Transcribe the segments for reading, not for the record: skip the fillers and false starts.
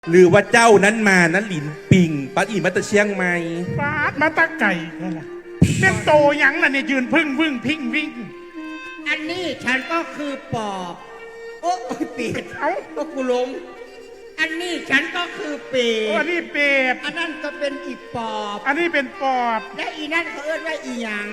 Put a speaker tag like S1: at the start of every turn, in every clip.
S1: หรือว่าเจ้านั้นมานั้นหลินปิงปัดอีมาตะเชียงใหม่
S2: ปาดมาตะไก่นั่นแหละเป็นโตหยังล่ะเนี่ยยืนพึ่งพิงวิ่ง
S3: อันนี้ฉันก็คือปอบโอ้ยเป็ด
S2: เอ้า
S3: ก็กูหลงอันนี้ฉันก็คือเป็ด
S2: อันนี้เป็ด
S3: อันนั้นก็เป็นอีปอบ
S2: อันนี้เป็นปอบ
S3: และอีนั่นเขาเอิ้นว่าอีหยัง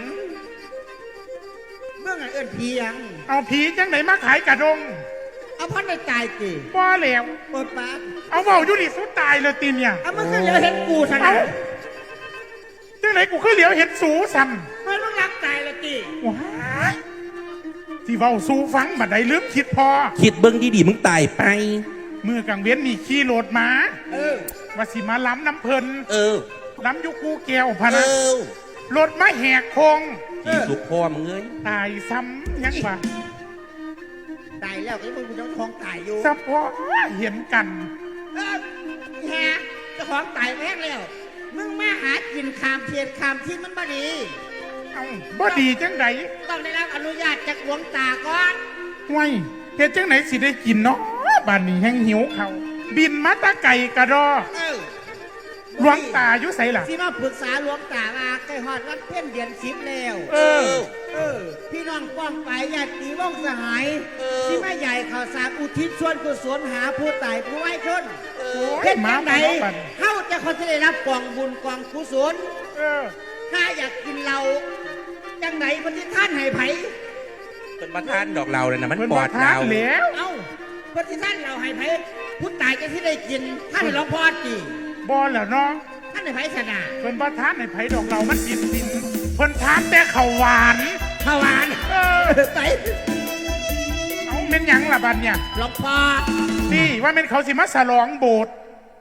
S3: เมื่อไงเอิ้นผีหยัง
S2: เอาผีจังไหนมาขายกระดง
S3: เอาพันในตายสิ
S2: บ่แล้ว
S3: เปิดปาก
S2: เอาเบาอยู่ดิสุดตายเลยตีเนี่ย
S3: เอามันก็เหลือเห็นกูซะ
S2: เอ้า
S3: นะ
S2: จังไหนกูคือเหลียวเห็นสูซ้
S3: มันต้องรักตายละจี
S2: ำว้ายที่เบาสูฟังบัดใดลืมคิดพอ
S1: คิดเบิ้งดีๆมึงตายไป
S2: เมื่อกลางเว้นนี่ขี่รถมา
S3: เออ
S2: ว่าสิมาล้ำน้ำเพลิน
S1: เออ
S2: ล้ำอยุกูแก้วพะ
S1: เอ
S2: นะ
S1: อ
S2: รถมาแหกโคง
S1: ที่สุกพ่อมึงเอ้ย
S2: ตายซ้ำยังวะ
S3: ตายแล้วไอ้มึงกูต้องท้องตายอยู่
S2: เฉพาะเห็นกัน
S3: เออแฮะเจ้าของตายแม่งแล้วมึงมาหากินคามเทียนคามที่มันบ่ดี
S2: เอ้าบ่ดีจังได
S3: ต้องได้รับอนุญาตจากหลวงตาก่อน
S2: ห่วยเฮ็ดจังไหนสิได้กินเนาะบ้านนี้แห้งหิวเขาวบินมาแตะไก่กระดอ
S3: เออ
S2: หลวงตาอยู่ไสล่ะ
S3: สิมาปรึกษาหลวงตาว่าใกล้ฮอดวันเพ็ญเดือน10แล้ว
S2: เออ
S3: พี่น้องป้องไปญาติวงศ์สหายที่แม่ใหญ่ข่าวสารอุทิศส่วนกุศลหาผู้ตายผู้ไว้ชน
S2: โอ้
S3: เฮ็
S2: ย
S3: ด
S2: หมา
S3: จังได
S2: บ่เนาะบัด
S3: เฮาจะคนจะได้รับกองบุญกองกุศล
S2: เออ
S3: ถ้าอยากกินเราจังไหนคนที่ท่านให้ไผ
S1: เป็นประธานดอกเราเลยนะมัน
S2: เพิ่น
S1: ป
S2: บ่
S1: อด
S2: ทา
S1: เรา
S2: นแล้ว
S3: เอ้าคนที่ท่านเราให้ไผผู้ตายจะที่ได้กินท่านให้หลวงพ่อจี
S2: บ่แล้วเนาะ
S3: ท่านให้ไผชนะ
S2: เพิ่นบ่ทานให้ไผดอกเรามันกินสินเพิ่นทานแต่ข้าวหวาน
S3: ขวาน
S2: เออ
S3: ไป
S2: เอาแม่นหยังล่ะบัดเนี่ย
S3: หลวงพ่อ
S2: นี่ว่าแม่นเขาสิมาฉลองโบสถ์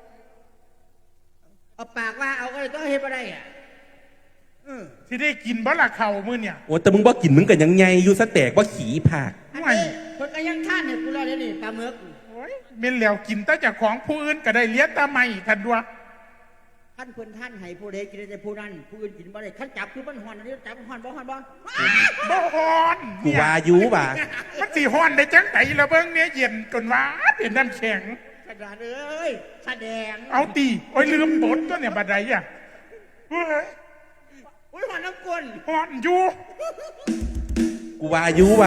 S3: เอาปากว่าเอาก็เลยต้องเฮ็ดบ่ได้อ่ะ
S2: สิได้กินบ่ล่ะข้าวมื้อเนี่ย
S1: โอ้แต่มึงบ่กินมึงกันยังไงอยู่สแตกว่าขี่ผัก
S3: อันนี้เพิ่นก็ยังท่านให้กูแล้วเดี๋ยวนี่ปลาหมึก
S2: โอ้ยแม่นแล้วกินแต่เจากของผู้อื่นก็ได้เลี้ยงตาใหม่ทันดัว
S3: ท่านเพิ่นท่านให้ผู้ใดกินได้แต่ผู้นั้นผู้อื่นกินบ่ได้ท่านจับคือมันฮ้อนอันนี้จับฮ้อนบ่ฮ้อนบ่
S2: บ่ฮอน
S1: กูว่าอยุบ่ะ
S2: มันสิฮอนได้จังไดละเบิ่งเนี่ยเย็นจนว่าเป็นน้ำแข็ง
S3: กระดาษเอ้ยแสดง
S2: เอาตีโอ้ยลืมบทตัวเนี่ยบัดใดอ่ะเฮ้ย
S3: อุ้ยฮ้อนน้ำกวน
S2: ฮอนอยู่
S1: กูว่าอยุบ่ะ